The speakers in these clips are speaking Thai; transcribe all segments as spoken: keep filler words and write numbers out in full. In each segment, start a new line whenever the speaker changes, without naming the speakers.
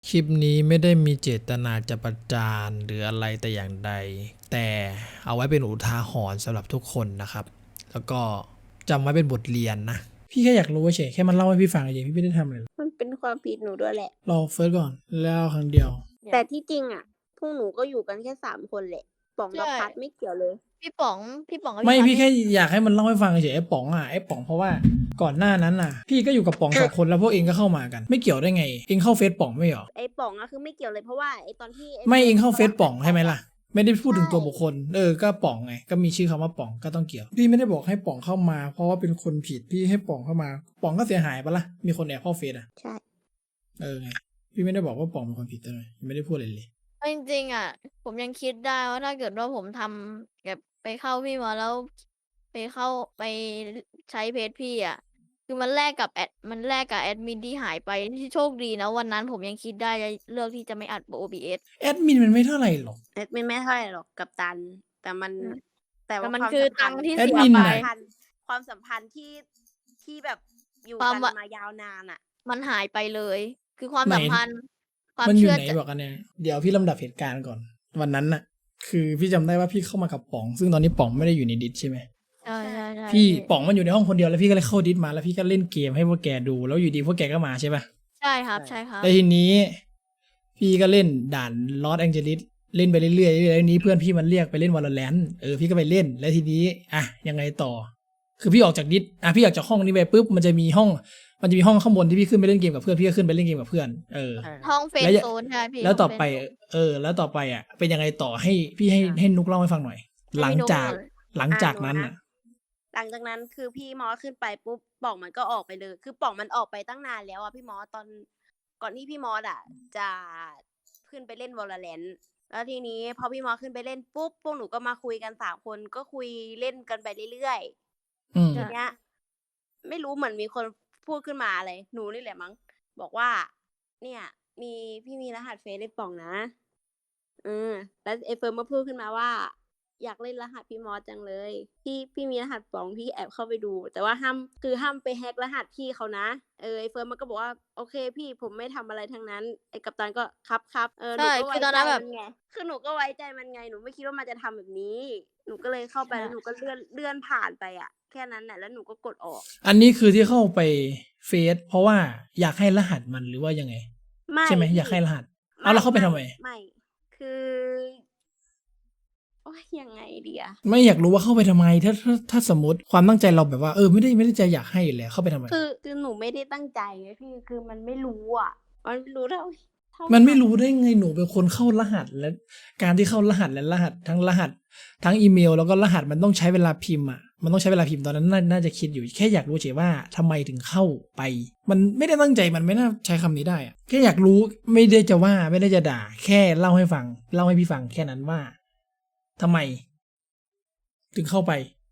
คลิปนี้ไม่ได้มีเจตนาจะประจานหรืออะไรแต่อย่างใด แต่เอาไว้เป็นอุทาหรณ์สำหรับทุกคนนะครับ แล้วก็จำไว้เป็นบทเรียนนะ พี่แค่อยากรู้เฉยแค่มันเล่าให้พี่ฟังเฉยพี่ไม่ได้ทำอะไร
มันเป็นความผิดหนูด้วยแหละ
รอเฟิร์สก่อนแล้วครั้งเดียว
แต่ที่จริงอ่ะ พวกหนูก็อยู่กันแค่สามคนแหละ ป๋องกับ
ใช่
พัดไม่เกี่ยวเลย
พี่ป๋องพี่ป๋องกับ
ไม่
พัด
พี่แค่อยากให้มันเล่าให้ฟังเฉยไอ้ป๋องอ่ะไอ้ป๋องเพราะว่าก่อนหน้านั้นน่ะ พี่ก็อยู่กับป๋องสองคนแล้วพวกเองก็เข้ามากัน ไม่เกี่ยวได้ไงเองเข้าเฟซป๋องไม่เหรอ
ไอ้ป๋องอะคือไม่เกี่ยวเลยเพราะว่าไอ้ตอนที่อ้
ไม่เองเข้า
ฟิ
เฟ
ร์
ซ
ส
ป๋องใช่ไหมล่ะ ไม่ได้พูดถึงตัว
ใช่
บุคคล เออ ก็ป๋องไง ก็มีชื่อคำว่าป๋องก็ต้องเกี่ยว พี่ไม่ได้บอกให้ป๋องเข้ามา เพราะว่าเป็นคนผิด พี่ให้ป๋องเข้ามา ป๋องก็เสียหายปะล่ะ มีคนแอบเข้าเฟซอ่ะ
ใช่
เออไง พี่ไม่ได้บอกว่าป๋องเป็นคนผิดเลยไม่ได้พูดอะไรเลย
เอาจริงๆอ่ะ ผมยังคิดได้ว่าถ้าเกิดว่าผมทำแบบไปเข้าพี่มาแล้ว ไปเข้าไปใช้เพจพี่อ่ะ คือมันแลกกับแอดมันแลกกับแอดมินที่หายไปที่โชคดีนะวันนั้นผมยังคิดได้จะเลือกที่จะไม่อัด โอ บี เอส
แอดมินมันไม่เท่าไหร่หรอก
แอดมินไม่เท่าไหร่หรอกกับตัน แต่มัน
อืม
แต่
แต่
ว่า
มัน
ความ
คือ
สัมพั
ตั
น
ง
ธ์
ค์ที่
แอด
เสีย
มิน
ไป
ไหน
พันธ์ความสัมพันธ์ที่ที่แบบอยู่
ความ
กัน
ว่า
มายาวนานอ่ะ
มันหายไปเลย คือความ
ไหน
สัมพันธ์ ความ
มันอยู่
เชื่อ
ไหน
ใจ
บอกกันเนี่ยเดี๋ยวพี่ลำดับเหตุการณ์ก่อน วันนั้นน่ะ คือพี่จำได้ว่าพี่เข้ามากับป๋อง ซึ่งตอนนี้ป๋องไม่ได้อยู่ในดิสใช่ไหม
ใช่ใช่ใช่
พี่
พี่
ป๋องมันอยู่ในห้องคนเดียวแล้วพี่ก็เลยเข้าดิสมาแล้วพี่ก็เล่นเกมให้พวกแกดูแล้วอยู่ดีพวกแกก็มาใช่ปะ
ใช่ครับใช่ครับ
แล้วทีนี้ พี่ก็เล่นด่านลอสแองเจลิสเล่นไปเรื่อยๆเรื่อยๆแล้วทีนี้เพื่อนพี่มันเรียกไปเล่นวอลเลนเออพี่ก็ไปเล่นแล้วทีนี้อ่ะยังไงต่อ คือพี่ออกจากดิสอ่ะพี่ออกจากห้องนี้ไปปุ๊บมันจะมีห้อง มันจะมีห้องข้างบนที่พี่ขึ้นไปเล่นเกมกับเพื่อนพี่ก็ขึ้นไปเล่นเกมกับเพื่อนเออ
ห้องเฟรน
แล้ว
ด์
อย่า
โซนใช่ไหมพี่
แล้วต่อ
ห้ง
ไป
เฟรนด์โซน
เออ แล้วต่อไปอ่ะเป็นยังไงต่อให้พี่ให้ให้นุกเล่าให้ฟังหน่อย หลังจาก
ให้นุ๊กหน่อย
หลังจาก
อ่ะหนู
นั้น
นะ
อ่ะ
หลังจากนั้นคือพี่มอสขึ้นไปปุ๊บป๋องมันก็ออกไปเลย คือป๋องมันออกไปตั้งนานแล้วอะพี่มอสตอนก่อนที่พี่มอสอะจะขึ้นไปเล่นวอลเลนแล้วทีนี้พอพี่มอสขึ้นไปเล่นปุ๊บพวกหนูก็มาคุยกันสามคนก็คุยเล่นกันไปเรื่อย
อืม
ๆทีเนี้ย ไม่รู้เหมือนมีคนพูดขึ้นมาอะไรหนูนี่แหละมั้งบอกว่า เนี่ย มีพี่มีรหัสเฟซเล่นป๋องนะอืมแล้วไอเฟิร์มมาพูดขึ้นมาว่า อยากเล่นรหัสพี่มอสจังเลย พี่พี่มีรหัสป๋องพี่แอบเข้าไปดู แต่ว่าห้ามคือห้ามไปแฮกรหัสพี่เขานะเออไอเฟิร์มมันก็บอกว่าโอเคพี่ผมไม่ทำอะไรทั้งนั้นไอกัปตันก็ครับครับเออหนู
ใช่
ก็
คื
ไว้
อตอน
ใจ
นั้นแบบ
มันไงคือหนูก็ไว้ใจมันไงหนูไม่คิดว่ามันจะทำแบบนี้ หนูก็เลยเข้าไป
ใช่
แล้วหนูก็เลื่อนเลื่อนผ่านไปอ่ะแค่นั้นแหละแล้วหนูก็กดออก
อันนี้คือที่เข้าไปเฟซเพราะว่าอยากให้รหัสมันหรือว่ายังไง
ไม่
ใช่ไหม
พี่
อยากให้รหัส เอาแล้วเข้าไปทำไม
ไม่คือโอ้ยยังไงดีอะ
ไม่อยากรู้ว่าเข้าไปทำไม ถ้าถ้าถ้าสมมติความตั้งใจเราแบบว่าเออไม่ได้ไม่ได้ใจอยากให้อยู่แล้วเข้าไปทำไม
คือคือหนูไม่ได้ตั้งใจไงพี่คือมันไม่รู้อ่ะ มันไม่รู้เท่าเท่า
มันไม่รู้ได้ไงหนูเป็นคนเข้ารหัสและการที่เข้ารหัสและรหัสทั้งรหัส ทั้งอีเมลแล้วก็รหัสมันต้องใช้เวลาพิมพ์อ่ะมันต้องใช้เวลาพิมพ์ตอนนั้นน่าน่าจะคิดอยู่แค่อยากรู้เฉยว่าทำไมถึงเข้าไป มันไม่ได้ตั้งใจมันไม่น่าใช้คำนี้ได้อ่ะแค่อยากรู้ไม่ได้จะว่าไม่ได้จะด่า แค่เล่าให้ฟัง เล่าให้พี่ฟังแค่นั้นว่าทำไม ถึงเข้าไป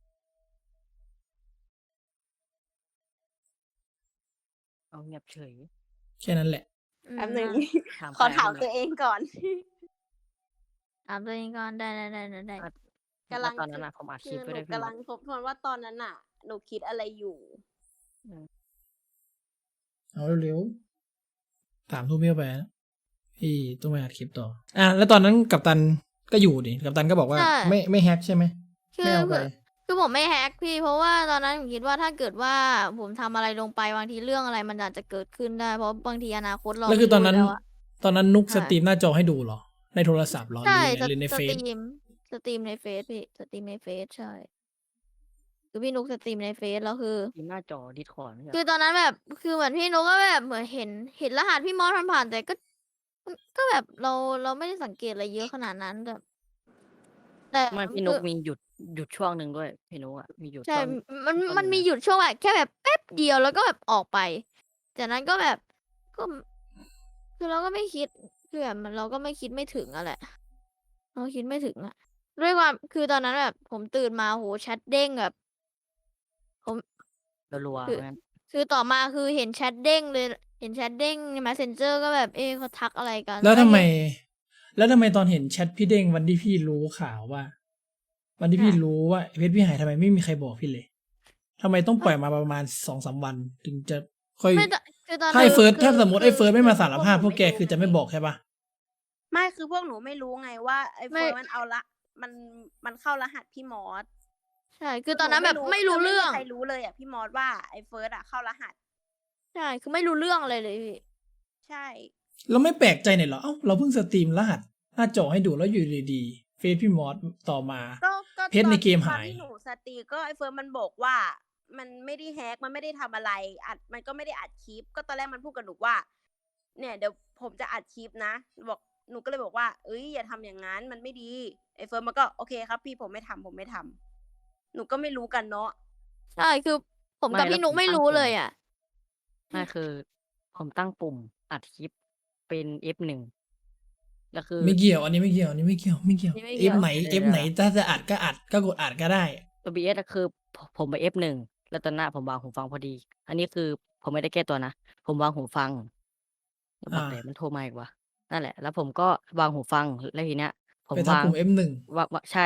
เอาเงียบเฉย
แค่นั้นแหละ
อืม
แป๊บนึง
ถาม
ขอ
ใคร
ถาม
ไม่รู้
ตัวเองก่อน
ถามตัวเองก่อนได้ได้ได้ได้ได้
อ่ะ
กำลัง
แล้วตอนนั้นอะผมอัดค
คื
ลิป
อ
ไว้
หนู
ด้วยพี่
กำลังทบทวนว่าตอนนั้นน่ะ หนูคิดอะไรอยู่
เอาเร็วๆถามทูบเบี้ยวไปนะพี่ต้องไปอัดคลิปต่อ อ่ะแล้วตอนนั้นกัปตันก็อยู่ดิกัปตันก็บอกว่า
ใช่
ไม่ไม่แฮกใช่ไหม
คื
ไม่
อ
เอาไป
คือผมไม่แฮกพี่ เพราะว่าตอนนั้นผมคิดว่าถ้าเกิดว่าผมทำอะไรลงไปบางทีเรื่องอะไรมันอาจจะเกิดขึ้นได้ เพราะบางทีอนาคตเรา
แล้วคือตอนนั้น
ไม่รู้แล้วะ
ตอนนั้นนุก
ใช่
สตรีมหน้าจอให้ดูเหรอ ในโทรศัพท์เหรอห
ใช่
รือในหรือใน
ส
เฟ
ต
ซ
รีมสตรีมในเฟซพี่สตรีมในเฟซใช่ คือพี่นุกสตรีมในเฟซแล้วคือ
ทีมหน้าจอดิสคอร์ดเนี่ย
คือตอนนั้นแบบคือเหมือนพี่นุกก็แบบเหมือนเห็นเห็นรหัสพี่มอสผ่านๆแต่ก็ ก็แบบเราเราไม่ได้สังเกตอะไรเยอะขนาดนั้นแต่แต่
ไม่พี่
คื
นุก
อ
มีหยุดหยุดช่วงหนึ่งด้วยพี่นุกอะมีหยุด
ใช่
ช่วง
มัน
ช่วง
มัน
หนึ่ง
มี
อะ
หยุดช่วงแบบแค่แบบแป๊บเดียวแล้วก็แบบออกไป จากนั้นก็แบบก็ คือเราก็ไม่คิดคือแบบมันเราก็ไม่คิดไม่ถึงอะแหละ เราคิดไม่ถึงอะด้วยความคือตอนนั้นแบบผมตื่นมาโหแชทเด้งแบบ ผม
รัว
คือ
ๆงั้น
คือต่อมาคือเห็นแชทเด้งเลย เห็นแชทเด้งใน Messenger ก็แบบ เอ๊ะเขาทักอะไรกัน
แล้วทำไม
เห็น
แล้วทำไมตอนเห็นแชทพี่เด้งวันที่พี่รู้ข่าวว่า วันที่พี่
ค่ะ
รู้ว่าเพจพี่หายทำไมไม่มีใครบอกพี่เลยทำไมต้องปล่อยมาประมาณสองสามวัน ถึงจะค่อย
ไม่แต่คือตอน
ถ้าไอ้
นั้น
เฟิร์ส
คือ
ถ้าสมมติไอ้
คือ
เฟิร์สไม่มา
คือ
สารภาพ
พ
พ
ว
ว
ก
ก
หนู
แก
ไม่
คือ
รู้
จะไม่
ไง
บอกใช่เปล่า?
ไม่ คือพวกหนูไม่รู้ไงว่า ไอ้
ไม่
เฟิร์สมันเอาละ มัน มันเข้ารหัสพี่มอส
ใช่ คื
คือ อ
ตอนนั้น
หนู
แบ
ไม่
บ
รู้
ไม่รู้เรื่
คือไม่มี
อง
ใครรู้เลยอะพี่มอสว่า ไอ้เฟิร์สอะเข้ารหัส
ใช่ คือไม่รู้เรื่องอะไรเลยพี่
ใช่
เราไม่แปลกใจหน่อยเหรอ อ้าว เราเพิ่งสตรีมรหัสหน้าจอให้ดู แล้วอยู่ดีๆ เฟซพี่มอส ต่อมา
ก็ ก็
เพชร
ตอ
ใน
น
เกม
ตอ
หาน ย
ที่หนูสตรีม ก็ไอ้เฟิร์สมันบอกว่า มันไม่ได้ hack มันไม่ได้ทำอะไร อัด มันก็ไม่ได้อัดคลิป ก็ตอนแรกมันพูดกับหนูว่า เนี่ยเดี๋ยวผมจะอัดคลิปนะ บอก หนูก็เลยบอกว่า เฮ้ย อย่าทำอย่างงั้น มันไม่ดี ไอ้เฟิร์สมันก็ โอเคครับพี่ ผมไม่ทำ ผมไม่ทำ หนูก็ไม่รู้กันเนาะ
ใช่ คือผม
ไม่
กับ
แล้
พี่
ว
นุ
ผ
ก
ม
ไม่
ตั้ง
รู้
ปุ่
เล
ม
ยอะ
ไม่ คือผมตั้งปุ่มอัดคลิปเป็น เอฟ หนึ่ง แล้วคือ
ไม่เกี่ยว อันนี้ไม่เกี่ยว อันนี้ไม่เกี่ยว ไม่เกี่ยว
อันนี้ไม่เกี่
F
ยว
ไหน
เดี๋
F
ยว
ไหน ถ้าจะอัดก็อัด ก็กดอัดก็ได้
โอ บี เอส อะ คือ ผ ผมไป เอฟ หนึ่ง แล้วตอนหน้าผมวางหูฟังพอดี อันนี้คือผมไม่ได้แก้ตัวนะ ผมวางหูฟัง แล้วบ
อา
อกไหนมันโทรมาอีกวะ นั่นแหละ แล้วผมก็วางหูฟัง แล้วทีเนี้ยผม
ไป
วา
ทำ
ง
ปุ่ม F หนึ่ง
ว ว ใช่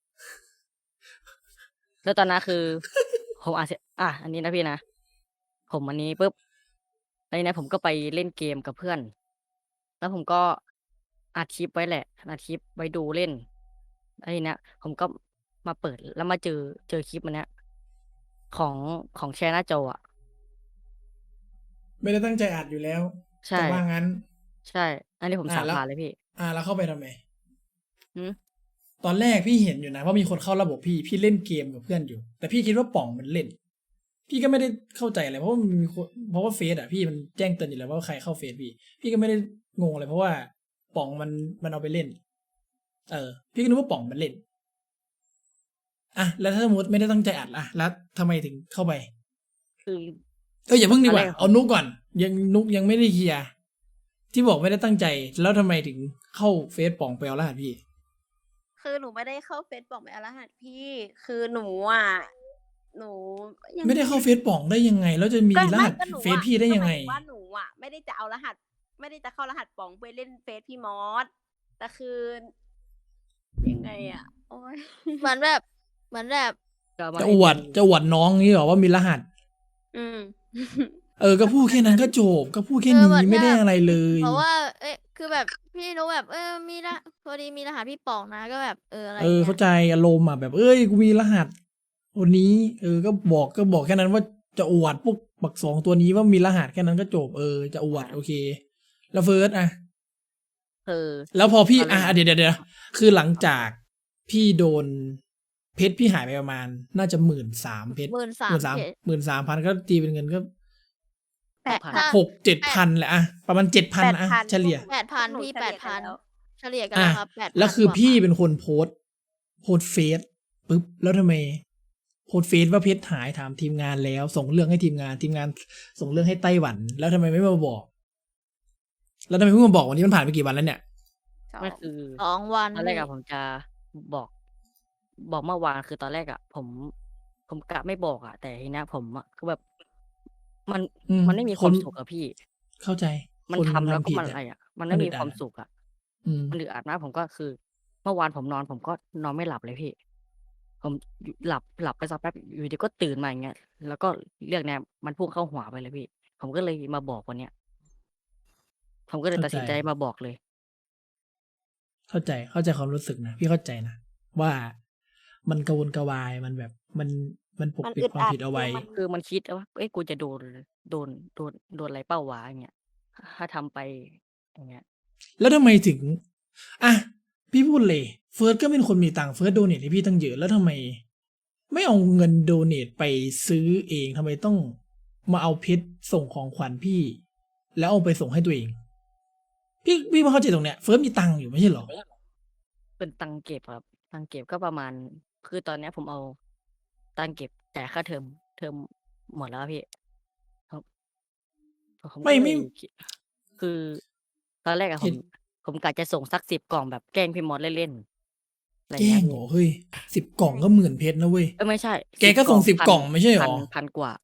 แล้วตอนนั้นคือ ผมอัดเสร็จ อา อันนี้นะพี่นะ ผมอันนี้ปุ๊บ แล้วทีเนี้ยผมก็ไปเล่นเกมกับเพื่อน แล้วผมก็อัดคลิปไว้แหละ อัดคลิปไว้ดูเล่น แล้วทีเนี้ยผมก็มาเปิด แล้วมาเจอ เจอคลิปอันเนี้ย ของ ของแชร์หน้าจออะ
ไม่ได้ตั้งใจอัดอยู่แล้ว
ใช่
จะว่างั้น
ใช่ อันนี้ผม
อา
สา
แล้ว
บานเลยพี่
อา แล้วเข้าไปทำไม?
หือ?
ตอนแรกพี่เห็นอยู่นะว่ามีคนเข้าระบบพี่ พี่เล่นเกมกับเพื่อนอยู่ แต่พี่คิดว่าป๋องมันเล่น พี่ก็ไม่ได้เข้าใจอะไร เพราะว่ามันมีคน เพราะว่าเฟซอะพี่มันแจ้งเตือนอยู่แล้วว่าใครเข้าเฟซพี่ พี่ก็ไม่ได้งงอะไร เพราะว่าป๋องมัน มันเอาไปเล่น เออ พี่ก็นึกว่าป๋องมันเล่น อะ แล้วถ้าสมมุติไม่ได้ตั้งใจอัดล่ะ แล้วทำไมถึงเข้าไป?
คือ
เออ อย่าเพิ่ง
ต
ดี
อน
ก
แร
ว่า
กอะ
เอานุ๊กก่อน ยัง นุ๊กยังไม่ได้เคลียร์ ที่บอกไม่ได้ตั้งใจ แล้วทำไมถึงเข้าเฟซป๋องไปเอารหัสพี่?
คือหนูไม่ได้เข้าเฟซป๋องไปเอารหัสพี่ คือหนูอะ หนูยัง
ไม่ได้เข้าเฟซป๋องได้ยังไง แล้วจะมี
ก็
ร
ไม่
หัส
ก็หนู
เฟซ
อะ
พี่ได้
ก็
ยั
ห
ง
มา
ไง?
ยถึงว่าหนูอะไม่ได้จะเอารหัส ไม่ได้จะเข้ารหัสป๋องไปเล่นเฟซพี่มอส แต่คือ ยังไงอะ โอ๊ย
เหมือนแบบ เหมือนแบบ
จะเอามา
จะ
ให้
อวด
ดู
จะอวดน้องงี้เหรอว่ามีรหัส?
อืม
เออ ก็พูดแค่นั้นก็จบ ก็พูดแค่
เออ
นี้
เหมือน
ไม่
แบ
ได้
บ
อะไรเลย
เพราะว่า เอ๊ะ คือแบบพี่นุ๊กแบบ เออ มีร พอดีมีรหัสพี่ป๋องนะ ก็แบบ เออ อะไร
เออ
เงี้
เข้าย ใจอารมณ์อะ แบบ เฮ้ย กูมีรหัสคนนี้ เออ ก็บอก ก็บอกแค่นั้นว่าจะอวดพวกบัก สอง ตัวนี้ว่ามีรหัส แค่นั้นก็จบ เออ จะอวด
อา
โอเค แล้วเฟิร์สอะ?
คือ
แล้วพอพี่
ตอนแร
อ
ก
า
อะ
เดี๋ยว ๆ ๆ คือหลัง
ครับ
จากพี่โดน เพชรพี่หายไปประมาณน่าจะ หนึ่งหมื่นสามพัน เพชร
หมื่นสา
หมื่นสาม
มเพชร
หมื่นสามพัน ก็ตีเป็นเงินก็
แปด
พัน
พัน
หกเจ็ด
แป
พั
ด
น แหละอะ ประมาณ เจ็ดพัน
แปด
อะ
พัน
เฉลี่ย
แปด
พ
พั
วน กหนู
พี่
เฉ
แป
ลี่
ด
ยกั
พั
น
น
แล้ว
เฉลี่ยกัน
อ
แล้วครับ แปด
แล้ว
พัน
คือ
กว่า
พี่
บาท
เป็นคนโพสต์ โพสต์เฟซปุ๊บ แล้วทำไม โพสต์เฟซว่าเพชรหาย ถามทีมงานแล้ว ส่งเรื่องให้ทีมงาน ทีมงานส่งเรื่องให้ไต้หวัน แล้วทำไมไม่มาบอก? แล้วทำไมเพิ่งมาบอกวันนี้ มันผ่านไปกี่วันแล้วเนี่ย?
สอ
ไม่
ง
คือ
สอง วันพ
ตอนแรกี่อะผมจะบอก บอกเมื่อวาน คือตอนแรกอะผม ผมกะไม่บอกอะ แต่ทีเนี้ยผมอะคือแบบ มัน
อืม
มันไม่มี
ค
ความ
น
สุขอะพี่
เข้าใจ
มัน
คน
ทำ
มัน
แล้ว
ทำ
ก็
ผิด
มัน
อะ
อะไรอะ มัน
ม
ไ
ั
ม่
นอึ
มี
ดอ
คัวา
ด
ม
อะ
สุขอะ
อืม
มันอึดอัดมาก ผมก็คือ เมื่อวานผมนอน ผมก็นอนไม่หลับเลยพี่ ผม ย หลับ หลับไปสักแป๊บ อยู่ดี ๆ ก็ตื่นมา อย่างเงี้ย แล้วก็เรื่องเนี้ยมันพุ่งเข้าหัวไปเลยพี่ ผมก็เลยมาบอกวันเนี้ย ผมก็เล
เ
ย
ข้า
ตัด
ใจ
สินใจมาบอกเลย
เข้าใจ เข้าใจความรู้สึกนะ พี่เข้าใจนะว่า มันกระวนกระวาย มันแบบ มัน มันปก
มัน
ปิด
อึด
ความ
อัด
ผิดเอา
คื
ไว้
อมัน
คือมันคิดว่า เอ๊ะ กูจะโดน โดน โดน โดนอะไรเปล่าวะ อย่างเงี้ย ถ้าทำไป อย่างเงี้ย
แล้วทำไมถึง อะ พี่พูดเลย เฟิร์สก็เป็นคนมีตังค์ เฟิร์สโดเนตให้พี่ตั้งเยอะ แล้วทำไมไม่เอาเงินโดเนตไปซื้อเอง ทำไมต้องมาเอาเพชรส่งของขวัญพี่ แล้วเอาไปส่งให้ตัวเอง พี่ พี่ไม่เข้าใจตรงเนี้ย เฟิร์สมีตังค์อยู่ไม่ใช่เหรอ?
เป็นตังค์เก็บครับ ตังค์เก็บก็ประมาณ คือตอนเนี้ยผมเอาตังค์เก็บจ่ายค่าเทอม เทอมหมดแล้วอะพี่ ครับ ผม
ไม่
ก็เล
ไม่
ยคิ คือตอนแรกอะ
เห
ผ
ตุ
ม ผมกะจะส่งสัก สิบ กล่องแบบแกล้งพี่มอสเล่น ๆ อะไร
แกล
เงี้
้
ย
ง
พ
เหี
่
รอ เฮ้ย สิบ กล่องก็ หมื่น เพชรนะเว้ย
เอ๊ย ไม่ใช่
แก
สิบ
ก็
ก
ส
ล่
่
อง
ง สิบ
พัน
กล่องไม่ใช่เหร
พัน
อ?
พัน กว่า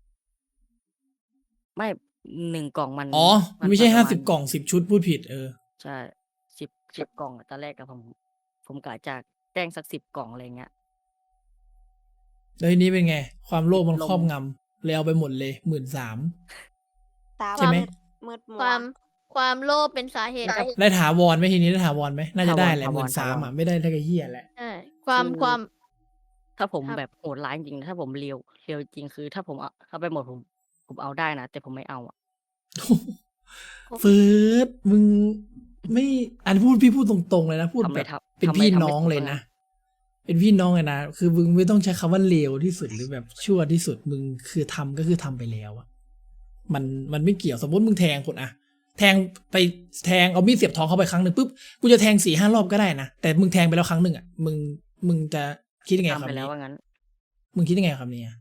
ไม่ หนึ่ง กล่องมัน
อ๋อ
ม
มั
น
นไม่ใช่
มันป
ห้า
ระมา
สิ
ณ
บ กล่อง สิบ ชุด พูดผิด เออ
ใช่ สิบ สิบ กล่องอะ ตอนแรกอะผม ผมกะจะแกล้งสัก สิบ กล่อง อะไรเงี้ย
แล้วทีนี้เป็นไง ความโลภมัน
ล
ครอบงำ เลยเอาไปหมดเลย หมื่นสาม
ตา
ใช่ไหม
มืดมัว
ความความโลภเป็นสาเหตุครับ
ได้ถาวรไหมทีนี้ได้ถาวรไหมน่าจะได้แหละ
ถาวร
หมื่นสาม
ถาวร
อ่ะไม่ได้เท่ากับเฮียแหละ
ใช่ความ
คือ
ความ
ถ้าผม
ครับ
แบบโหดร้ายจริงๆนะถ้าผมเลียวเลียวจริงคือ ถ้าผมเอาเอาไปหมดผม ผมเอาได้นะ แต่ผมไม่เอาอะ
เฟิร์สมึงไม่อันพูดพี่พูดตรงๆเลยนะพูด
ทำไม
แบบ
ทำ
เป็น
ทำไม
พี่
ทำไม่
น้อง
ถูก
เลย
อะ
นะ เป็นพี่น้องเลยนะคือมึงไม่ต้องใช้คำว่าเลวที่สุดหรือแบบชั่วที่สุดมึงคือทำก็คือทำไปแล้วอะมันมันไม่เกี่ยวสมมติมึงแทงคนอะแทงไปแทงเอามีดเสียบท้องเขาไปครั้งหนึ่งปุ๊บกูจะแทงสี่ห้ารอบก็ได้นะแต่มึงแทงไปแล้วครั้งหนึ่งอะมึงมึงจะคิดยังไงกับ
ทำไป
คำ
แล้
นี้
วว่างั้น
มึงคิดยังไงกับคำนี้อะ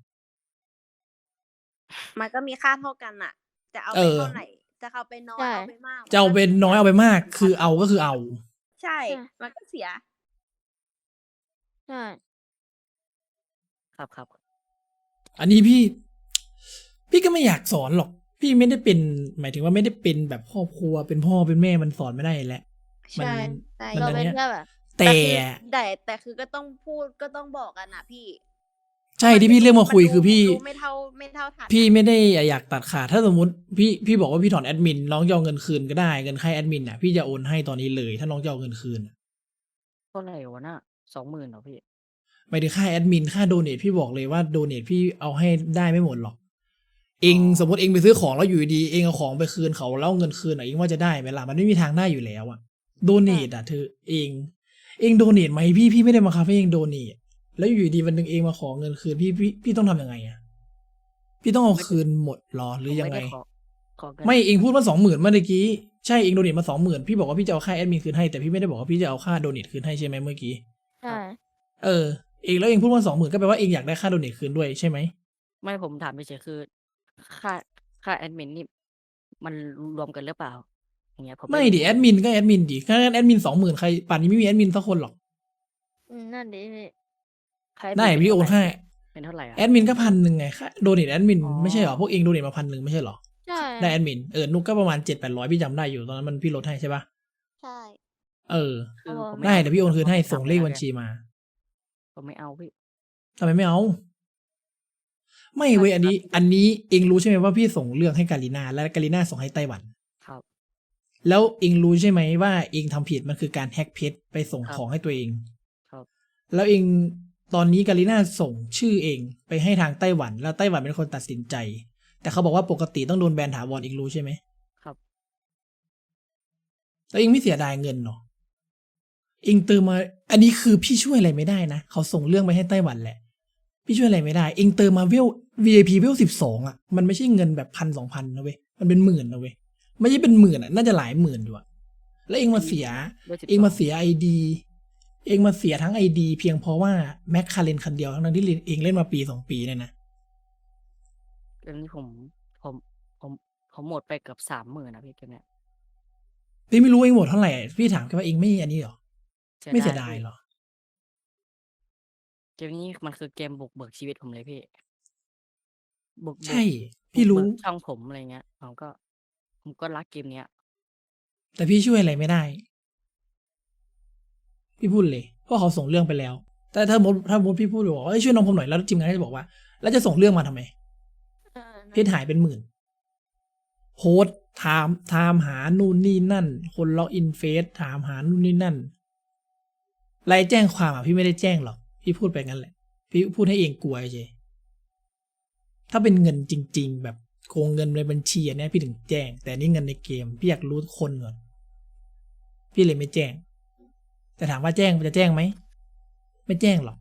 มันก็มีค่าเท่ากันอะจะเอา
เอ
ไป
อ
เท่าไหร่จะเอาไปน้อย
ใช่
เอาไปมาก
จะเอาเป็นน้อยเอาไปมาก คือเอาก็คือเอา
ใช่
ใช่
มันก็เสีย
ใช่
ครับครับ
อันนี้พี่ พี่ก็ไม่อยากสอนหรอก พี่ไม่ได้เป็น หมายถึงว่าไม่ได้เป็นแบบครอบครัวเป็นพ่อเป็นแม่มันสอนไม่ได้แหละ มัน
ใช่ใช่
มัน
เรา
อัน
เป็น
เนี้ย
แค่แบบ
แต่
คือแต่แต่คือก็ต้องพูดก็ต้องบอกกันนะพี่
ใช่ที่พี่เรียกมาคุย
นดู
คือพี่
ดูไม่เท่าไม่เท่าทัน
พี่ไม่ได้อยากตัดขาดถ้าสมมติพี่พี่บอกว่าพี่ถอนแอดมินน้องจะเอาเงินคืนก็ได้เงินค่าแอดมินอ่ะพี่จะโอนให้ตอนนี้เลย ถ้าน้องจะเอาเงินคืนอะ
เท่าไหร่วะน่ะสองหมื่นเหรอพี่
หมายถึงค่าแอดมินค่าโดเนทพี่บอกเลยว่าโดเนทพี่เอาให้ได้ไม่หมดหรอก เอง
อ๋อ
สมมติเองไปซื้อของแล้วอยู่ดีๆเองเอาของไปคืนเขาแล้วเอาเงินคืนอ่ะเองว่าจะได้ไหมล่ะมันไม่มีทางได้อยู่แล้วอ่ะโดเนทอ่ะเธอเอง เองโดเนทไหมพี่พี่ไม่ได้มาคับให้เองโดเนทแล้วอยู่ดีวันหนึ่งเองมาขอเงินคืนพี่พี่พี่ต้องทำยังไงอ่ะพี่ต้องเอาคืนหมดหรอห
ผ
รื
ม
อยัง
ไม่
ไง
ได้ขอขอเงิน
ไม่เองพูดว่าสองหมื่นเมื่อกี้ใช่เองโดเนทมาสองหมื่นพี่บอกว่าพี่จะเอาค่าแอดมินคืนให้แต่พี่ไม่ได้บอกว่าพี่จะเอาค่าโดเนทคืนให้ใช่ไหมเมื่อกี้
ใช่
เออเองแล้วเองพูดว่าสองหมื่นก็แปลว่าเองอยากได้ค่าโดเนทคืนด้วยใช่ไหม
ไม่ผมถามเฉยๆคือ ค่าค่าแอดมินนี่มันรวมกันหรือเปล่า อย่างเงี้ยผม
ไม่
รู้
ดิแอดมินก็แอดมินดิถ้าแอดมินสองหมื่นใครป่านนี้ไม่มีแอดมินสักคนหรอก
อืมนั่นดิพี่
ค่าแอดมิ
ได้
เป็
พี่โอน
เท่าไหร่
ให้
เป็นเท่าไหร่อะ
แอดมินก็พันหนึ่งไงค่าโดเนทแอดมิน
อ๋อ
ไม่ใช่เหรอพวกเองโดเนทมาพันหนึ่งไม่ใช่เหรอ
ใช่
ได้แอดมินเออนุกก็ประมาณเจ็ดแปดร้อยพี่จำได้อยู่ตอนนั้นมันพี่ลดให้ใช่ปะ
ใช่
เออ
คือผม
ได้
ม่า
เดี๋ยวพี่โอนคืนให้
ผม
ส่งเลขบัญชีมา
ผมไม่เอาพี่
ทำไมไม่เอา ไม่เว้ยอันนี้ อันนี้เองรู้ใช่ไหมว่าพี่ส่งเรื่องให้กาลินาและกาลินาส่งให้ไต้หวัน
ครับ
แล้วเองรู้ใช่ไหมว่าเองทำผิดมันคือการแฮ็กเพจไปส่ง
ครับ
ของให้ตัวเอง
ครับ
แล้วเองตอนนี้กาลิน่าส่งชื่อเองไปให้ทางไต้หวัน แล้วไต้หวันเป็นคนตัดสินใจ แต่เขาบอกว่าปกติต้องโดนแบนถาวรเองรู้ใช่ไหม
ครับ
แล้วเองไม่เสียดายเงินเนาะเองเติมมา อันนี้คือพี่ช่วยอะไรไม่ได้นะเขาส่งเรื่องไปให้ไต้หวันแหละ พี่ช่วยอะไรไม่ได้ เองเติมมาเวล วี ไอ พี เวลสิบสองอ่ะมันไม่ใช่เงินแบบพันสองพันนะเว้ยมันเป็นหมื่นนะเว้ยไม่ใช่เป็นหมื่นอ่ะน่าจะหลายหมื่นอยู่อะแล้วเองมาเสีย
ด้วยสิบ
เองมา
ส
เสียไอดี เองมาเสียทั้งไอดีเพียงเพราะว่าแม็กคาเรนคันเดียวทั้งๆที่เองเล่นมาปีสองปีเนี่ยนะ
เกมนี้ผมผมผมผมหมดไปเกือบสามหมื่นนะพี่เกมเนี้ย
พี่ไม่รู้เองหมดเท่าไหร่ พี่ถามแค่ว่าเองไม่อันนี้หรอ ไม่เสียดาย
พี่
หรอ
เกมนี้มันคือเกมบุกเบิกชีวิตผมเลยพี่ บุกเบิก
ใช่ พี่รู้
บุกเบิกช่องผมอะไรเงี้ยผมก็ ผมก็รักเกมเนี้ย
แต่พี่ช่วยอะไรไม่ได้ พี่พูดเลย เพราะเขาส่งเรื่องไปแล้ว แต่ถ้าสมมติถ้าสมมติพี่พูดบอกว่าเอ้ยช่วยน้องผมหน่อยแล้วทีมงานก็จะบอกว่า แล้วจะส่งเรื่องมาทำไม
เออ
เพจหายเป็นหมื่นโพสต์ถามถามหานู่นนี่นั่น คนล็อกอินเฟซถามหานู่นนี่นั่นรายแจ้งความอ่ะพี่ไม่ได้แจ้งหรอกพี่พูดไปงั้นแหละ พี่พูดให้เองกลัวเฉยถ้าเป็นเงินจริง ๆ แบบโกงเงินในบัญชีอันเนี้ยพี่ถึงแจ้ง แต่นี่เงินในเกมพี่อยากรู้คนก่อนพี่เลยไม่แจ้ง แต่ถามว่าแจ้งจะแจ้งไหมไม่แจ้งหรอก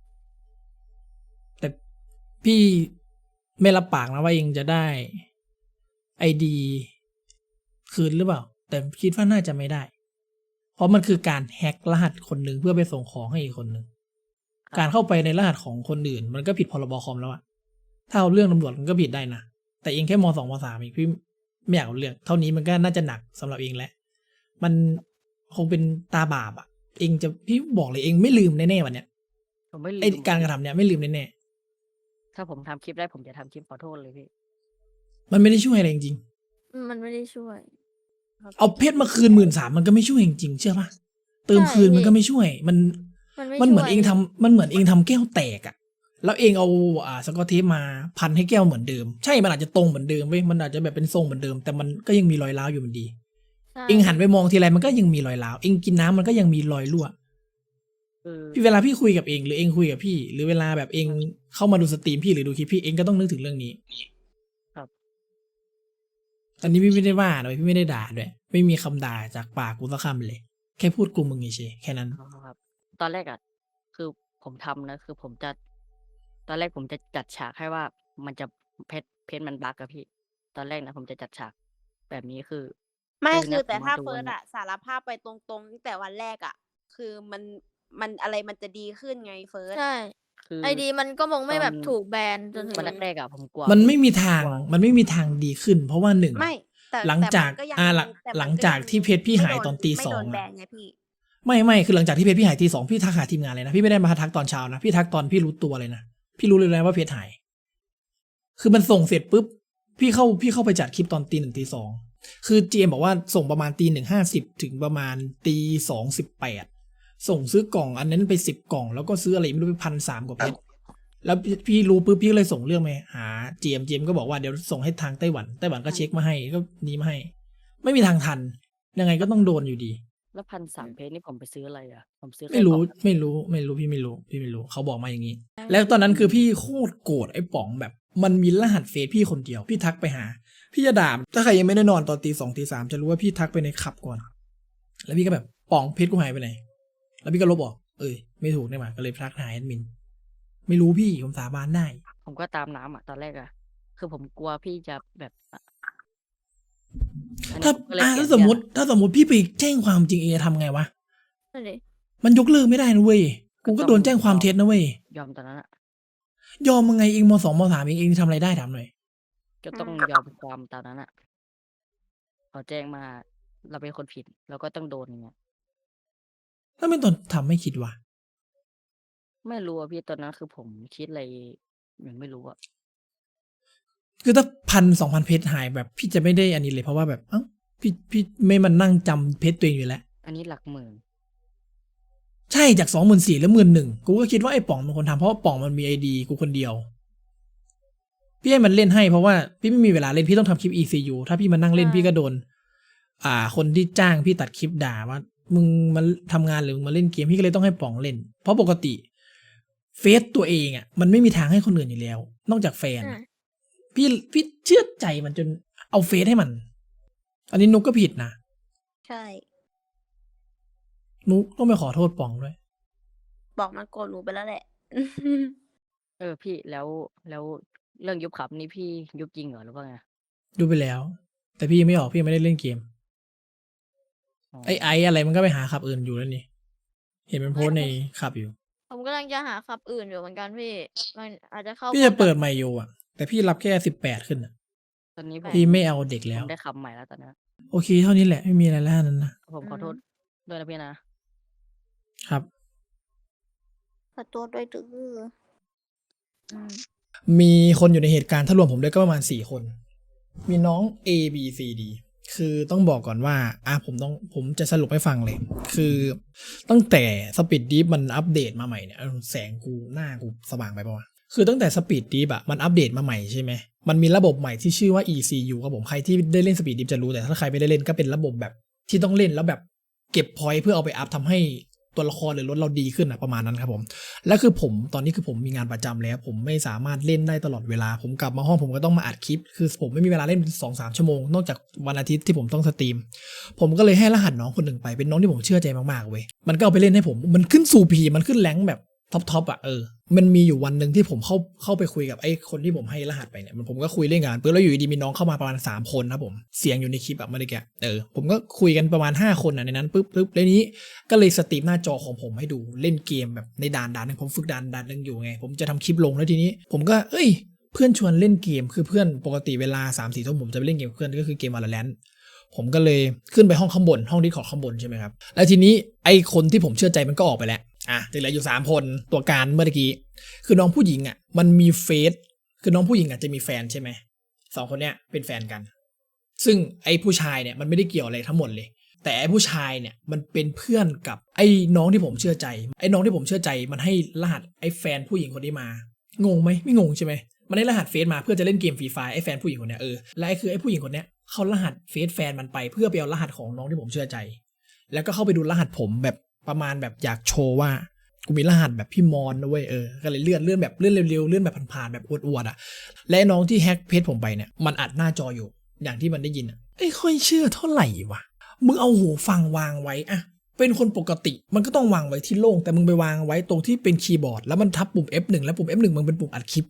แต่พี่ไม่รับปากนะว่าเองจะได้ไอดีคืนหรือเปล่า แต่คิดว่าน่าจะไม่ได้ เพราะมันคือการแฮ็กรหัสคนหนึ่งเพื่อไปส่งของให้อีกคนหนึ่ง
ครับ
การเข้าไปในรหัสของคนอื่น มันก็ผิดพรบคอมแล้วอะถ้าเอาเรื่องตำรวจมันก็ผิดได้นะแต่เองแค่มสองมสามอีกพี่ไม่อยากเอาเรื่องเท่านี้มันก็น่าจะหนักสำหรับเองแหละมันคงเป็นตาบาปอะเองจะพี่บอกเลยเองไม่ลืมแน่ๆวันเนี้ย
ผมไม่ลื
ไอ
ม
การกระทำเนี้ยไม่ลืมแน่
ถ้าผมทำคลิปได้ผมจะทำคลิปขอโทษเลยพี่
ๆมันไม่ได้ช่วยอะไรจริง
มันไม่ได้ช่วย
ๆเอาเพชรมาคืนหมื่นสามมันก็ไม่ช่วยจริงๆเชื่อปะเติมคืนมันก็ไม่ช่วย มัน
มันไม่
มันเหมือน
ช่วย
เองทำมันเหมือนเองทำแก้วแตกอะแล้วเองเอาอ่าสกอตเทปมาพันให้แก้วเหมือนเดิมใช่มันอาจจะตรงเหมือนเดิมเว้ยมันอาจจะแบบเป็นทรงเหมือนเดิม แต่มันก็ยังมีรอยร้าวอยู่มันดี
ใช่
เองหันไปมองทีไรมันก็ยังมีรอยร้าวเองกินน้ำมันก็ยังมีรอยรั่ว
คือ
พี่เวลาพี่คุยกับเองหรือเองคุยกับพี่ หรือเวลาแบบเองเข้ามาดูสตรีมพี่หรือดูคลิปพี่เองก็ต้องนึกถึงเรื่องนี้
ครับ
อันนี้พี่ไม่ได้ว่าเลยพี่ไม่ได้ด่าด้วยไม่มีคำด่าจากปากกูสักคำเลย แค่พูดกูมึงเฉยๆแค่นั้น
อ๋อครับ ตอนแรกอ่ะ คือผมทำนะคือผมจะ ตอนแรกผมจะจัดฉากให้ว่ามันจะเพชรเพชรมันบั๊กอะพี่ ตอนแรกนะผมจะจัดฉากแบบนี้คือ
ไม่
เออ
คื
นะ
อ
ผ
แต่
ม
ถ้า
มาดู
เฟิ
วั
ร์
น
ส
เนี้ย
อะสารภาพไปตรงๆตั้งแต่วันแรกอะคือมันมันอะไรมันจะดีขึ้นไงเฟิร์ส
ใช่
คือ
ไอดีมันก็คง
ต
ไม่
อ
แบ
น
บถูกแบนจนถึ
วัน
ง
แรกๆอะผมกลัว
มัน
พี่
ไม่มีทาง
กลัว
มันไม่มีทางดีขึ้น เพราะว่าหนึ่ง
ไม่ แต่
หลัง
แต่
จา
มั
ก
นก็ยัง
อ่าหลัง
แต่
ห
มั
ลั
น
ง
ก็
จา
ยั
ก
ง
ที่เพชรพี่
ไม่
หาย
โดน
ตอนตี
ไม่
สอ
โด
ง
นแบ
อะ
นไงพี่
ไม่ไม่คือหลังจากที่เพชรพี่หายตีสองพี่ทักหาทีมงานเลยนะพี่ไม่ได้มาทักตอนเช้านะพี่ทักตอนพี่รู้ตัวเลยนะพี่รู้เลยนะว่าเพชรหาย คือมันส่งเสร็จปุ๊บพี่เข้าพี่เข้าไปจัดคลิปตอนตีหนึ่งตีสองคือเจมบอกว่าส่งประมาณตีหนึ่งห้าสิบถึงประมาณตีสองสิบแปดส่งซื้อกล่องอันนั้นไปสิบกล่องแล้วก็ซื้ออะไรไม่รู้ไปพันสามกว่าเพชรแล้วพี่พี่รู้ปุ๊บพี่ก็เลยส่งเรื่องไปหาเจมเจมก็บอกว่าเดี๋ยวส่งให้ทางไต้หวันไต้หวันก็เช็คมาให้ก็นี้มาให้ ไม่มีทางทัน ยังไงก็ต้องโดนอยู่ดี
แล้วพันสามเพชรนี่ผมไปซื้ออะไรอะผมซื้อแค่
ไม่
กล่
รู้
อง
ไม่รู้ไม่รู้พี่ไม่รู้พี่ไม่รู้เขาบอกมาอย่างนี้ แล้วตอนนั้นคือพี่โคตรโกรธไอ้ป๋องแบบ มันมีรหัสเฟซพี่คนเดียว พี่ทักไปหา พี่จะด่าถ้าใครยังไม่ได้นอนตอนตีสองตีสามจะรู้ว่าพี่ทักไปในขับก่อน แล้วพี่ก็แบบป๋องเพชรกูหายไปไหน แล้วพี่ก็ลบออกเอ้ยไม่ถูกเนี่ยมาก็เลยทักหาแอดมิน ไม่รู้พี่ผมสาบานได้
ผมก็ตามน้ำอะตอนแรกอะคือผมกลัวพี่จะแบบอะอันนี้
ถ้า
ผมก็เลย
อ่า
เปลี่
ถ้าย
น
สม
เรื่
ม
อง
ติถ้าสมมติพี่ไปแจ้งความจริงเองจะทำไงวะ
นั่นดิ
มันยกเลิกไม่ได้นะเว้ยกูก็
ก็ต้อง
โดนแจ้งความ
ยอม
เท็จนะเว้ย
ยอมตอนนั้นอะ
ยอมมึงไงเองมสองมสามเองเองทำอะไรได้ถามหน่อย
ก็ต้อง
อืม
ยอมความตามนั้นอะเขาแจ้งมาเราเป็นคนผิดเราก็ต้องโดนอย่างเงี้ย
ถ้าไม่ตอนทำไม่คิดวะ
ไม่รู้อะพี่ตอนนั้นคือผมคิดอะไรยังไม่รู้อะ
คือถ้าพันสองพันเพชรหายแบบพี่จะไม่ได้อันนี้เลยเพราะว่าแบบเอ้าพี่พี่ไม่มันนั่งจำเพชรตัวเองอยู่แล้ว
อันนี้หลักหมื่น
ใช่จากสองหมื่นสี่แล้วหมื่นหนึ่งกูก็คิดว่าไอ้ป๋องเป็นคนทำเพราะว่าป๋องมันมีไอดีกูคนเดียว พี่ให้มันเล่นให้เพราะว่าพี่ไม่มีเวลาเล่นพี่ต้องทำคลิป อี ซี ยู ถ้าพี่มานั่งเล่น
ใช่
พี่ก็โดน อ่า คนที่จ้างพี่ตัดคลิปด่าว่า มึงมาทำงานหรือมึงมาเล่นเกมพี่ก็เลยต้องให้ป๋องเล่น เพราะปกติเฟซตัวเองอ่ะมันไม่มีทางให้คนอื่นอยู่แล้ว นอกจากแฟน
อื
อะ
ม
พี่พี่เชื่อใจมันจนเอาเฟซให้มัน อันนี้นุกก็ผิดนะ
ใช่
นุกต้องไปขอโทษป๋องด้วย
บอกมันโกรธหนูไปแล้วแหละ
เออพี่แล้วแล้วเรื่องยุบขับนี่พี่ยุบจริงเหรอหรือว่าไง
ดูไปแล้ว แต่พี่ยังไม่ออกพี่ยังไม่ได้เล่นเกม
อ๋อ
ไอ้ไอ้อะไรมันก็ไปหาขับอื่นอยู่แล้วนี่ เห็นมันโพสต์ในขับอยู่
ผมกำลังจะหาขับอื่นอยู่เหมือนกันพี่ มันอาจจะเข้า
พี่
พว
จะ
กแบ
เปิ
บ
ดไมโยอ่ะ แต่พี่รับแค่สิบแปดขึ้นอ่ะ
ตอนนี้ผม
พี่ไม่เอาเด็ก
ผ
แล้ว
มได้คำใหม่แล้วตอนนี้
โอเคเท่านี้แหละไม่มีอะไรแล้วนั้นนะ
ผมขอโทษด้วยนะพี่นะ
ครับ
ขอโทษด้วยดื้อ
อืม
มีคนอยู่ในเหตุการณ์ถ้ารวมผมด้วยก็ประมาณสี่คน มีน้อง A B C D คือต้องบอกก่อนว่าอ่ะผมต้องผมจะสรุปให้ฟังเลย คือตั้งแต่สปีดดีฟมันอัปเดตมาใหม่เนี่ยเออแสงกูหน้ากูสว่างไปปะวะคือตั้งแต่สปีดดีฟอะมันอัปเดตมาใหม่ใช่ไหมมันมีระบบใหม่ที่ชื่อว่า อี ซี ยู ครับผมใครที่ได้เล่นสปีดดีฟจะรู้แต่ถ้าใครไม่ได้เล่นก็เป็นระบบแบบที่ต้องเล่นแล้วแบบเก็บพอยต์เพื่อเอาไปอัพทำให้ตัวละครหรือรถเราดีขึ้นอะประมาณนั้นครับผม และคือผมตอนนี้คือผมมีงานประจำแล้ว ผมไม่สามารถเล่นได้ตลอดเวลา ผมกลับมาห้องผมก็ต้องมาอัดคลิป คือผมไม่มีเวลาเล่น สองถึงสาม ชั่วโมง นอกจากวันอาทิตย์ที่ผมต้องสตรีม ผมก็เลยให้รหัสน้องคนหนึ่งไปเป็นน้องที่ผมเชื่อใจมากๆเว้ยมันก็เอาไปเล่นให้ผมมันขึ้นสู่พีมันขึ้นแรงค์แบบท็อปทอปอ่ะเออมันมีอยู่วันหนึ่งที่ผมเข้าเข้าไปคุยกับไอ้คนที่ผมให้รหัสไปเนี่ยมันผมก็คุยเล่นกันปุ๊บแล้วอยู่ดีๆมีน้องเข้ามาประมาณสามคนนะผมเสียงอยู่ในคลิปแบบเมื่อกี้เออผมก็คุยกันประมาณห้าคนอ่ะในนั้นปุ๊บปุ๊บแล้วนี้ ก็เลยสตรีมหน้าจอของผมให้ดูเล่นเกมแบบในด่านด่านหนึงผมฝึกด่านด่านหนึงอยู่ไงผมจะทำคลิปลงแล้วทีนี้ ผมก็เอ้ยเพื่อนชวนเล่นเกมคือเพื่อนปกติเวลา สามสี่ทุ่มผมจะไปเล่นเกมกับเพื่อนก็คือเกม Valorant ผมก็เลยขึ้นไปห้องข้างบนห้อง Discord ข้างบนใช่ไหมครับแล้วทีนี้ไอคนที่ผมเชื่อใจมันก็ออกไปแล้วอ่ะเหลืออยู่สามคนตัวการเมื่อกี้คือน้องผู้หญิงอ่ะมันมีเฟซคือน้องผู้หญิงอ่ะจะมีแฟนใช่ไหมสองคนเนี้ยเป็นแฟนกัน ซึ่งไอ้ผู้ชายเนี่ยมันไม่ได้เกี่ยวอะไรทั้งหมดเลย แต่ไอ้ผู้ชายเนี่ยมันเป็นเพื่อนกับไอ้น้องที่ผมเชื่อใจ ไอ้น้องที่ผมเชื่อใจมันให้รหัสไอ้แฟนผู้หญิงคนนี้มางงไหมไม่งงใช่ไหมมันได้รหัสเฟซมาเพื่อจะเล่นเกมฟรีไฟไอ้แฟนผู้หญิงคนเนี้ยเออและไอ้คือไอ้ผู้หญิงคนเนี้ยเขารหัสเฟซแฟนมันไปเพื่อไปเอารหัสของน้องที่ผมเชื่อใจ แล้วก็เข้าไปดูรหัสผมแบบประมาณแบบอยากโชว์ว่ากูมีรหัสแบบพี่มอนนะเว้ยเออก็เลยเลื่อนเลื่อนแบบเลื่อนเร็วๆเลื่อนแบบผ่านๆแบบอวดๆอ่ะและน้องที่แฮ็กเพจผมไปเนี่ยมันอัดหน้าจออยู่อย่างที่มันได้ยินอ่ะไอ้ค่อยเชื่อเท่าไหร่วะมึงเอาหูฟังวางไว้อะเป็นคนปกติมันก็ต้องวางไว้ที่โล่งแต่มึงไปวางไว้ตรงที่เป็นคีย์บอร์ดแล้วมันทับปุ่ม เอฟ หนึ่ง แล้วปุ่ม เอฟ หนึ่ง มันเป็นปุ่มอัดคลิป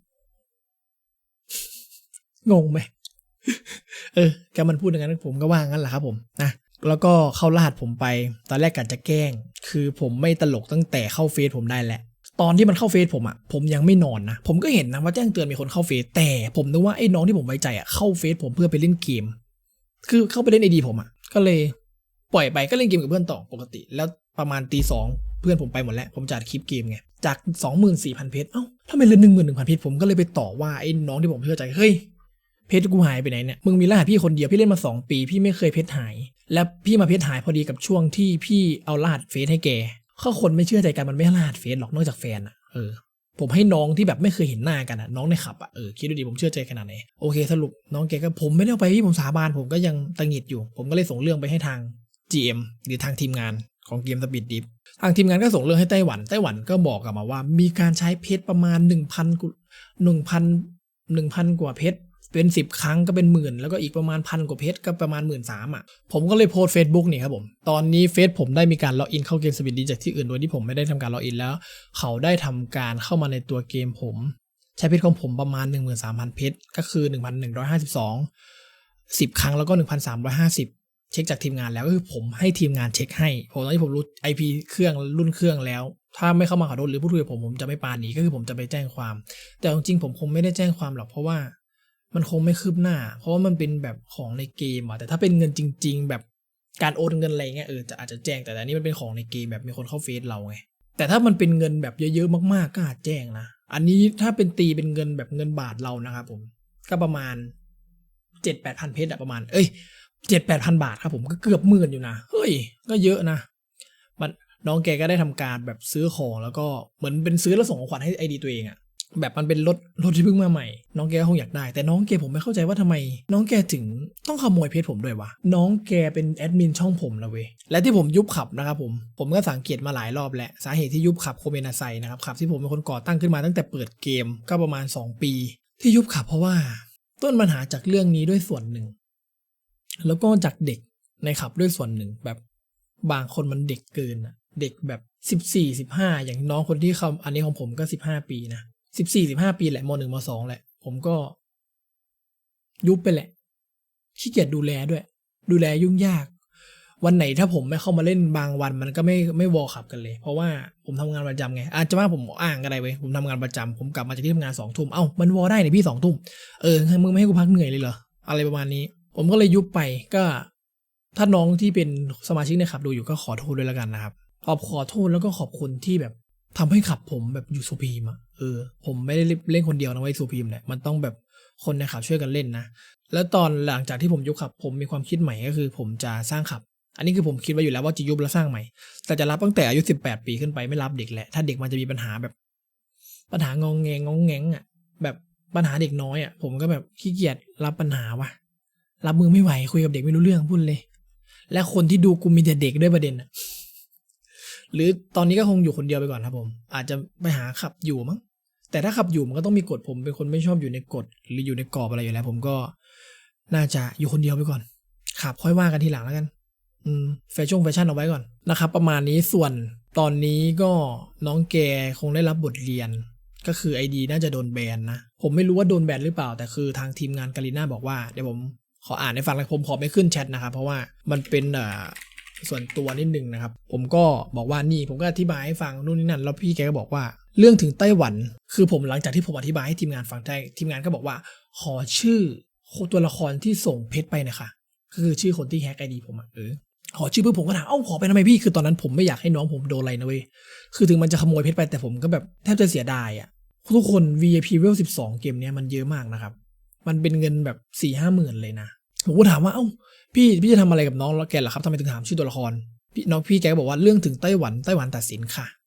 งงไหม เออแกมันพูดอย่างนั้นผมก็ว่างั้นแหละครับผมนะแล้วก็เข้ารหัสผมไปตอนแรกกะจะแกล้งคือผมไม่ตลกตั้งแต่เข้าเฟซผมได้แหละตอนที่มันเข้าเฟซผมอ่ะผมยังไม่นอนนะผมก็เห็นนะว่าแจ้งเตือนมีคนเข้าเฟซแต่ผมนึกว่าไอ้น้องที่ผมไว้ใจอ่ะเข้าเฟซผมเพื่อไปเล่นเกมคือเข้าไปเล่นไอดีผมอ่ะก็เลยปล่อยไปก็เล่นเกมกับเพื่อนต่อปกติแล้วประมาณตีสองเพื่อนผมไปหมดแล้วผมจัดคลิปเกมไงจาก สองหมื่นสี่พัน เพชรเอ้าถ้าเป็นเหลือ หนึ่งหมื่นหนึ่งพัน เพชรผมก็เลยไปต่อว่าไอ้น้องที่ผมเชื่อใจเฮ้ยเพชรกูหายไปไหนเนี่ยมึงมีรหัสพี่คนเดียวพี่เล่นมาสองปีพี่ไม่เคยเพชรหายแล้วพี่มาเพชรหายพอดีกับช่วงที่พี่เอารหัสเฟซให้แกข้อคนไม่เชื่อใจกันมันไม่ให้รหัสเฟซหรอกนอกจากแฟนอ่ะเออผมให้น้องที่แบบไม่เคยเห็นหน้ากันอ่ะน้องในขับอ่ะเออคิดดูดิผมเชื่อใจขนาดไหนโอเคสรุปน้องแกก็ผมไม่ได้เอาไปพี่ผมสาบานผมก็ยังตังหงิดอยู่ผมก็เลยส่งเรื่องไปให้ทาง จี เอ็ม หรือทางทีมงานของเกมสปีดดิฟทางทีมงานก็ส่งเรื่องให้ไต้หวันไต้หวันก็บอกกลับมาว่ามีการใช้เพชรประมาณ หนึ่งพัน หนึ่งพัน หนึ่งพัน กว่าเพชรเป็นสิบครั้งก็เป็นหมื่นแล้วก็อีกประมาณพันกว่าเพชรก็ประมาณ หนึ่งหมื่นสามพัน อ่ะผมก็เลยโพสต์ Facebook นี่ครับผมตอนนี้เฟซผมได้มีการล็อกอินเข้าเกมสปีดดิฟจากที่อื่นโดยที่ผมไม่ได้ทำการล็อกอินแล้วเขาได้ทำการเข้ามาในตัวเกมผมใช้เพชรของผมประมาณ หนึ่งหมื่นสามพัน เพชรก็คือ หนึ่งพันหนึ่งร้อยห้าสิบสอง สิบครั้งแล้วก็ หนึ่งพันสามร้อยห้าสิบเช็คจากทีมงานแล้วก็คือผมให้ทีมงานเช็คให้ผมตอนที่ผมรู้ ไอ พี เครื่องรุ่นเครื่องแล้วถ้าไม่เข้ามาขอโทษหรือพูดคุยกับผมผมจะไม่ปาหนีก็คือผมจะไปแจ้งความแต่จริงๆผมคงไม่ได้แจ้งความหรอกเพราะว่ามันคงไม่คืบหน้าเพราะว่ามันเป็นแบบของในเกมอ่ะแต่ถ้าเป็นเงินจริงๆแบบการโอนเงินอะไรเงี้ยเออจะอาจจะแจ้งแต่อันนี้มันเป็นของในเกมแบบมีคนเข้าเฟซเราไงแต่ถ้ามันเป็นเงินแบบเยอะๆมากๆก็อาจแจ้งนะอันนี้ถ้าเป็นตีเป็นเงินแบบเงินบาทเรานะครับผมก็ประมาณ เจ็ดแปดพัน เพชรอะประมาณเอ้ยเจ็ดแปดพันบาทครับผมก็เกือบหมื่นอยู่นะเฮ้ยก็เยอะนะมันน้องแกก็ได้ทำการแบบซื้อของแล้วก็เหมือนเป็นซื้อแล้วส่งของขวัญให้ไอดีตัวเองอะแบบมันเป็นรถรถที่เพิ่งมาใหม่น้องแกคงอยากได้แต่น้องแกผมไม่เข้าใจว่าทำไมน้องแกถึงต้องขโมยเพชรผมด้วยวะน้องแกเป็นแอดมินช่องผมนะเว้ยและที่ผมยุบขับนะครับผมผมก็สังเกตมาหลายรอบแล้วสาเหตุที่ยุบขับโคเมนาไซนะครับขับที่ผมเป็นคนก่อตั้งขึ้นมาตั้งแต่เปิดเกมก็ประมาณสองปีที่ยุบขับเพราะว่าต้นปัญหาจากเรื่องนี้ด้วยส่วนหนึ่งแล้วก็จากเด็กในขับด้วยส่วนหนึ่งแบบบางคนมันเด็กเกินอะเด็กแบบสิบสี่ สิบห้าอย่างน้องคนที่เขาอันนี้ของผมก็สิบห้าปีนะสิบสี่ สิบห้าปีแหละมหนึ่งมสองแหละผมก็ยุบไปแหละขี้เกียจดูแลด้วยดูแลยุ่งยากวันไหนถ้าผมไม่เข้ามาเล่นบางวันมันก็ไม่ไม่วอลขับกันเลยเพราะว่าผมทำงานประจำไงอาจจะว่าผมอ้างก็ได้เว้ยผมทำงานประจำผมกลับมาจากที่ทำงานสองทุ่มเอ้ามันวอลได้เนี่ยพี่สองทุ่มเออมึงไม่ให้กูพักเหนื่อยเลยเหรออะไรประมาณนี้ผมก็เลยยุบไปก็ถ้าน้องที่เป็นสมาชิกในขับดูอยู่ก็ขอโทษด้วยแล้วกันนะครับขอบขอโทษแล้วก็ขอบคุณที่แบบทำให้ขับผมแบบอยู่สุพีมอ่ะเออผมไม่ได้เล่นคนเดียวนะไว้สุพีมเนี่ยมันต้องแบบคนในขับช่วยกันเล่นนะแล้วตอนหลังจากที่ผมยุบขับผมมีความคิดใหม่ก็คือผมจะสร้างขับอันนี้คือผมคิดไว้อยู่แล้วว่าจะยุบแล้วสร้างใหม่แต่จะรับตั้งแต่อายุสิบแปดปีขึ้นไปไม่รับเด็กแหละถ้าเด็กมันจะมีปัญหาแบบปัญหางองแงงองแงงอ่ะแบบปัญหาเด็กน้อยอ่ะผมก็แบบขี้เกียจรับปัญหาวะรับมือไม่ไหวคุยกับเด็กไม่รู้เรื่องพูดเลยและคนที่ดูกูมีแต่เด็กด้วยประเด็นอ่ะหรือตอนนี้ก็คงอยู่คนเดียวไปก่อนครับผมอาจจะไปหาขับอยู่มั้งแต่ถ้าขับอยู่มันก็ต้องมีกฎผมเป็นคนไม่ชอบอยู่ในกฎหรืออยู่ในกรอบอะไรอยู่แล้วผมก็น่าจะอยู่คนเดียวไปก่อนขับค่อยว่ากันทีหลังแล้วกันอืมแฟชั่นแฟชั่นเอาไว้ก่อนนะครับประมาณนี้ส่วนตอนนี้ก็น้องแกคงได้รับบทเรียนก็คือ ไอ ดี น่าจะโดนแบนนะผมไม่รู้ว่าโดนแบนหรือเปล่าแต่คือทางทีมงานกาลิน่าบอกว่าเดี๋ยวผมขออ่านให้ฟังแล้วผมขอไม่ขึ้นแชทนะครับเพราะว่ามันเป็นเอ่อส่วนตัวนิดนึงนะครับผมก็บอกว่านี่ผมก็อธิบายให้ฟังนู่นนี่นั่นแล้วพี่แกก็บอกว่าเรื่องถึงไต้หวันคือผมหลังจากที่ผมอธิบายให้ทีมงานฟังได้ทีมงานก็บอกว่าขอชื่อตัวละครที่ส่งเพชรไปนะคะก็คือชื่อคนที่แฮก ไอ ดี ผมอ่ะเออขอชื่อเพื่อผมก็ถามเอ้าขอไปทำไมพี่คือตอนนั้นผมไม่อยากให้น้องผมโดนอะไรนะเว้ยคือถึงมันจะขโมยเพชรไปแต่ผมก็แบบแทบจะเสียดายอ่ะทุกคน วี ไอ พี Level สิบสองเกมเนี้ยมันเยอะมากนะครับมันเป็นเงินแบบ สี่ ห้า หมื่นเลยนะผมก็ถามว่าเอ้าพี่พี่จะทำอะไรกับน้องแกเหรอครับทำไมถึงถามชื่อตัวละครพี่น้องพี่แกก็บอกว่าเรื่องถึงไต้หวันไต้หวันตัดสินค่ะ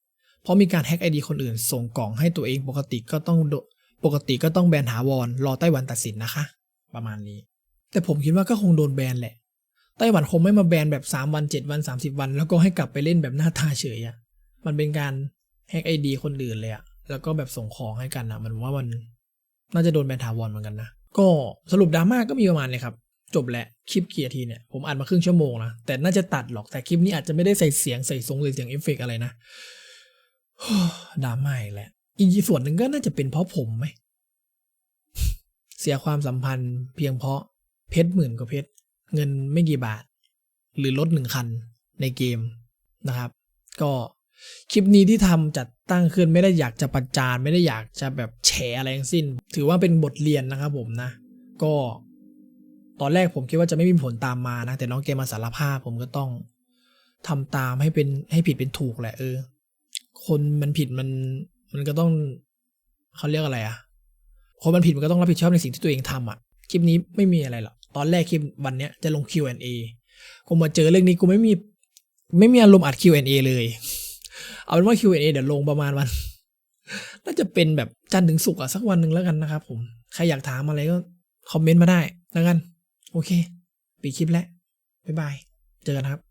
เพราะมีการแฮ็กไอดีคนอื่นส่งกล่องให้ตัวเองปกติก็ต้องโดปกติก็ต้องแบนถาวรรอไต้หวันตัดสินนะคะ ประมาณนี้ แต่ผมคิดว่าก็คงโดนแบนแหละไต้หวันคงไม่มาแบนแบบสามวันเจ็ดวันสามสิบวันแล้วก็ให้กลับไปเล่นแบบหน้าตาเฉยอะมันเป็นการแฮ็กไอดีคนอื่นเลยอะแล้วก็แบบส่งของให้กันอะมันว่ามันน่าจะโดนแบนถาวรเหมือนกันนะก็สรุปดราม่าก็มีประมาณนี้ครับจบแหละคลิปกี่นาทีเนี่ยผมอ่านมาครึ่งชั่วโมงนะแต่น่าจะตัดหรอกแต่คลิปนี้อาจจะไม่ได้ใส่เสียงใส่ทรงใส่เสียงเอฟเฟกต์อะไรนะ ดราม่าอีกแหละอีกส่วนหนึ่งก็น่าจะเป็นเพราะผมไหม เสียความสัมพันธ์เพียงเพราะเพชรหมื่นกว่าเพชรเงินไม่กี่บาท หรือรถหนึ่งคันในเกมนะครับ ก็คลิปนี้ที่ทำจัดตั้งขึ้นไม่ได้อยากจะประจานไม่ได้อยากจะแบบแฉอะไรทั้งสิ้น ถือว่าเป็นบทเรียนนะครับผมนะ ก็ตอนแรกผมคิดว่าจะไม่มีผลตามมานะแต่น้องเกมมาสารภาพผมก็ต้องทำตามให้เป็นให้ผิดเป็นถูกแหละเออคนมันผิดมันมันก็ต้องเขาเรียกอะไรอะคนมันผิดมันก็ต้องรับผิดชอบในสิ่งที่ตัวเองทำอะคลิปนี้ไม่มีอะไรหรอกตอนแรกคลิปวันเนี้ยจะลง คิว แอนด์ เอ กูมาเจอเรื่องนี้กูไม่มีไม่มีอารมณ์อัด คิว แอนด์ เอ เลยเอาเป็นว่า คิว แอนด์ เอ เดี๋ยวลงประมาณวัน น่าจะเป็นแบบจันทร์ถึงศุกร์อะสักวันหนึ่งแล้วกันนะครับผมใครอยากถามอะไรก็คอมเมนต์มาได้แล้วกันโอเคปิดคลิปแล้วบ๊ายบายเจอกันครับ